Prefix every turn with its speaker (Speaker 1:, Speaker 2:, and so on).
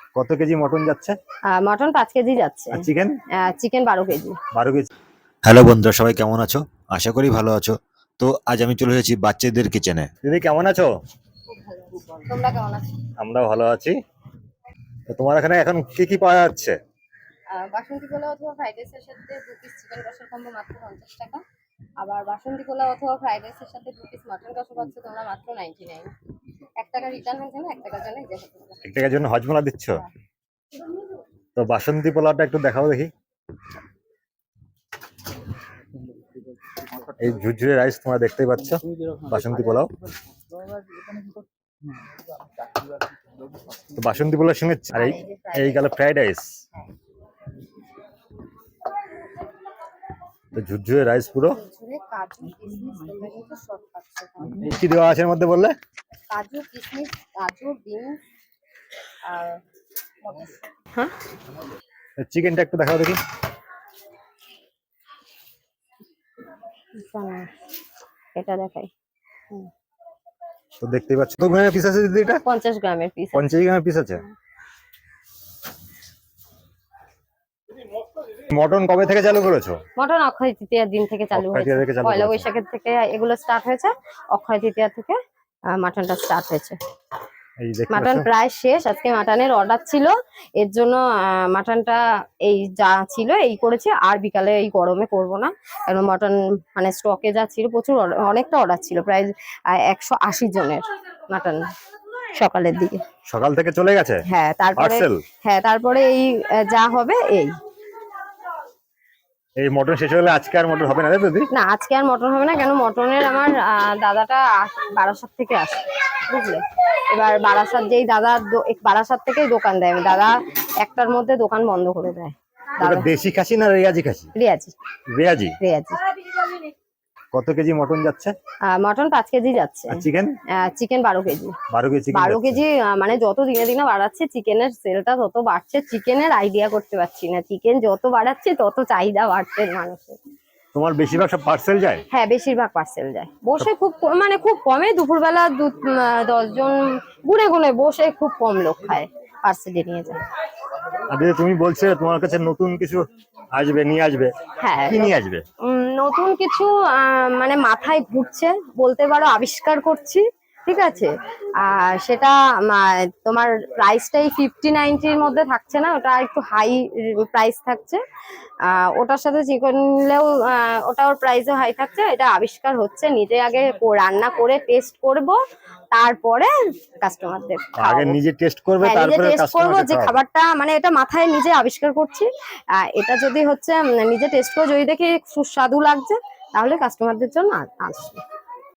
Speaker 1: কত kg mutton যাচ্ছে?
Speaker 2: Mutton 5 kg যাচ্ছে।
Speaker 1: আর chicken?
Speaker 2: Chicken 12 kg.
Speaker 1: 12 kg. Hello বন্ধুরা, সবাই কেমন আছো? আশা করি ভালো আছো। তো আজ আমি চলে এসেছি বাচ্চাদের কিচেনে। দিদি কেমন আছো?
Speaker 2: খুব ভালো আছি। তোমরা কেমন আছো?
Speaker 1: আমরাও ভালো আছি। তো তোমার এখানে এখন কি কি পাওয়া যাচ্ছে?
Speaker 2: বাসন্তী পোলাও অথবা ফ্রাইড রাইসের সাথে 2 পিস চিকেন কষার কম্বো মাত্র 50 টাকা। আবার বাসন্তী পোলাও অথবা ফ্রাইড রাইসের সাথে 2 পিস মাটন কষা পাচ্ছ তোমরা মাত্র 99। 1 টাকা রিটার্ন হচ্ছে না, 1 টাকার জন্য এই যে
Speaker 1: 1 টাকার জন্য হজমোলা দিচ্ছ? তো বাসন্তী পোলাওটা একটু দেখাও দেখি। এই ঝুরঝুরে রাইস তোমরা দেখতেই পাচ্ছ, বাসন্তী পোলাও। তো বাসন্তী পোলাওর সঙ্গে আর এই গেল ফ্রাইড রাইস। তো ঝুরঝুরে রাইস পুরো।
Speaker 2: কাজু কিশমিশ তোমরা কিন্তু সব পাচ্ছ।
Speaker 1: কি দেওয়া আছে এর মধ্যে বললে?
Speaker 2: কাজু কিশমিশ, গাজর, বিনস আর মটরশুঁটি। হ্যাঁ,
Speaker 1: চিকেনটা একটু দেখাও দেখি।
Speaker 2: এটা দেখাই।
Speaker 1: তো দেখতেই পাচ্ছ। তো গ্রামের পিস আছে দিদি? এটা
Speaker 2: 50 গ্রামের পিস।
Speaker 1: 50 গ্রামের পিস আছে। মটন কবে থেকে চালু করেছো?
Speaker 2: মটন অক্ষয় তৃতীয়ার দিন থেকে চালু হয়েছে। পয়লা বৈশাখের থেকে এগুলো স্টার্ট হয়েছে। অক্ষয় তৃতীয়া থেকে মাটনটা স্টার্ট হয়েছে। মাটন প্রায় শেষ। আজকে মাটনের অর্ডার ছিল, এর জন্য মাটনটা এই যা ছিল এই করেছে। আর বিকালে এই গরমে করব না, কারণ মটন মানে স্টকে যা ছিল প্রচুর, অনেকটা অর্ডার ছিল, প্রায় 180 জনের মাটন সকালের দিকে।
Speaker 1: সকাল থেকে চলে গেছে?
Speaker 2: হ্যাঁ, তারপরে এই যা হবে
Speaker 1: এই মটন শেষ হলে আজকে আর মটন হবে না দিদি?
Speaker 2: না, আজকে আর মটন হবে না। কেন, মটনের আমার দাদাটা বারাসাত থেকে আসে, বুঝলে। এবার বারাসাত যেই দাদা বারাসাত থেকেই দোকান দেয়, দাদা 1টার মধ্যে দোকান বন্ধ করে দেয়।
Speaker 1: দেশি খাসি না রেয়াজি খাসি?
Speaker 2: রেয়াজি।
Speaker 1: রেয়াজি।
Speaker 2: রেয়াজি।
Speaker 1: কত কেজি মটন যাচ্ছে?
Speaker 2: মটন 5 কেজি যাচ্ছে।
Speaker 1: আর চিকেন?
Speaker 2: Chicken 12 kg.
Speaker 1: 12
Speaker 2: কেজি। মানে যত দিনে দিনে বাড়াচ্ছে চিকেনের সেলটা তত বাড়ছে। চিকেনের আইডিয়া করতে পারছি না, চিকেন যত বাড়াচ্ছে তত চাহিদা বাড়ছে মানুষের।
Speaker 1: তোমার বেশিরভাগ সব পার্সেল যায়?
Speaker 2: হ্যাঁ, বেশিরভাগ পার্সেল যায়। বসে খুব মানে খুব কমে, দুপুরবেলা 10 জন গুনে গুনে বসে খুব কম লোক খায়, পার্সেলে নিয়ে যায়।
Speaker 1: আর তুমি বলছো তোমার কাছে নতুন কিছু আসবে, নিয়ে আসবে।
Speaker 2: হ্যাঁ,
Speaker 1: কি নিয়ে আসবে?
Speaker 2: নতুন কিছু মানে মাথায় ঘুরছে বলতে পারো, আবিষ্কার করছি, ঠিক আছে। আর সেটা তোমার প্রাইসটাই 50-90 এর মধ্যে থাকছে না, ওটা একটু হাই প্রাইস থাকছে। ওটার সাথে চিকেন নিলেও ওটার প্রাইসও হাই থাকছে। এটা আবিষ্কার হচ্ছে, নিজে আগে রান্না করে টেস্ট করব, তারপরে কাস্টমারদের
Speaker 1: আগে নিজে টেস্ট করবে,
Speaker 2: তারপরে টেস্ট করব যে খাবারটা, মানে এটা মাথায় নিজে আবিষ্কার করছি। এটা যদি হচ্ছে নিজে টেস্ট করে যদি দেখি সুস্বাদু লাগছে, তাহলে কাস্টমারদের জন্য আসবে।